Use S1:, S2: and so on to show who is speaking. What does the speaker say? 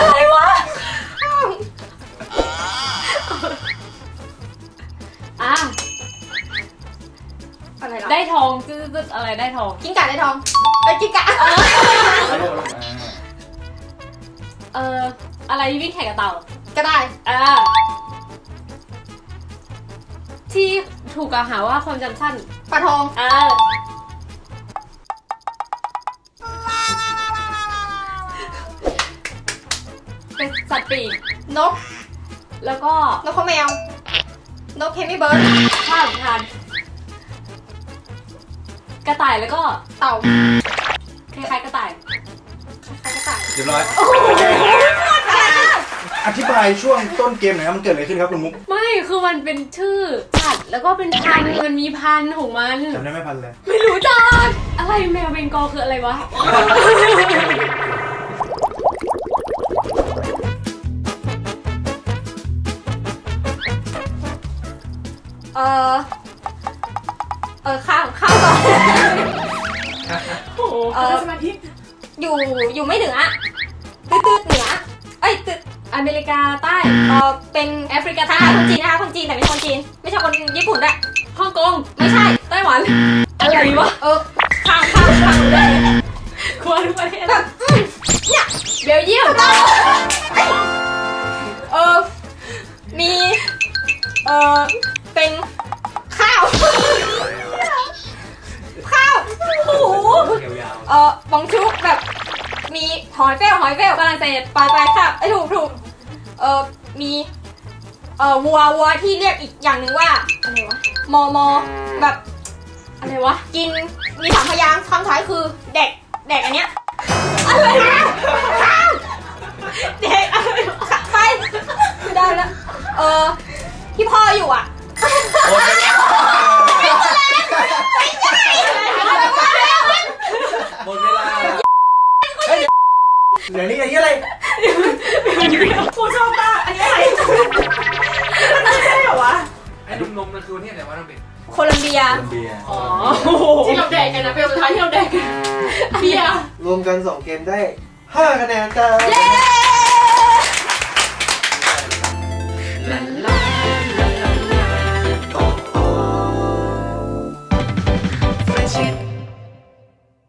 S1: อะไรวะอ่ะ
S2: อะไรหรอ
S1: ได้ทองจึ๊ดๆอะไรได้ทอง
S2: กิ้งก่าได้ทองกิ้งก่า
S1: อะไรวิ่งแข่งกับเต่า
S2: ก็ได้
S1: ที่ถูกกล่าวหาว่าความจำสั้น
S2: ปลาทอง
S1: เป็นสัตว์ปีก
S2: นก
S1: แล้วก็
S2: นกข้าวแมวนกเคมี่เบิร์ด
S1: ข้าวทานกระต่ายแล้วก็
S2: เต่า
S1: คล้ายๆกระต่าย
S2: ใครก็ต่าย
S3: เรียบร้อยอธิบายช่วงต้นเกมหน่อยครับมันเกิดอะไรขึ้นครับคุณมุก
S1: ไม่คือมันเป็นชื่อสัตว์แล้วก็เป็นพันธุ์มันมีพันธุ์ของมัน
S3: จำได้ไม่พันเลย
S1: ไม่รู้จักอะไรแมวเบงกอลคืออะไรวะ
S2: ข้าวต่อ
S1: โอ้โห
S2: สมาธิอยู่ไม่เหนือตืดเหนือตืด
S1: อเมริกาใต้
S2: เป็น
S1: แอฟริกา
S2: ใช่
S1: ใต้
S2: คนจีนนะคะคนจีนแต่ไม่ใช่คนจีนไม่ใช่คนญี่ปุ่นด้วย
S1: ฮ่องกง
S2: ไม่ใช่
S1: ไต้หวันอะไรวะ
S2: ข้างเลย
S1: ควรทุกประเทศ
S2: แบบเนี่ย
S1: เบลเยียม
S2: มีเป็นข้าวโอ้โหบองชุกแบบมีหอยเฟลฝรั่งเศสไปค่ะถูกมีวัวที่เรียกอีกอย่างหนึ่งว่าอะไรวะมอแบบอะไรวะกินมีสามพยางค์คำท้ายคือเด็กอันเนี้ยอะไรนะข้าวเด็กอะไรไปไม่ได้แล้วที่พ่ออยู่อ่ะ
S3: หมดเวลาเดี๋ยวนี้อะไร
S2: กูชอบมากอันนี้อะไรมันไม่ใช่เหรอวะ
S4: ไอ้นมนั่นคือเนี่ยแต่ว่าต้องเป็น
S2: โคลัมเบีย
S3: เบียร์
S1: อ๋อ
S2: ที่เราแดกกันนะเป็นสุดท้ายที่เราแดกกันเบียร์
S3: รวมกัน2เกมได้5คะแนนจ้า
S2: เย้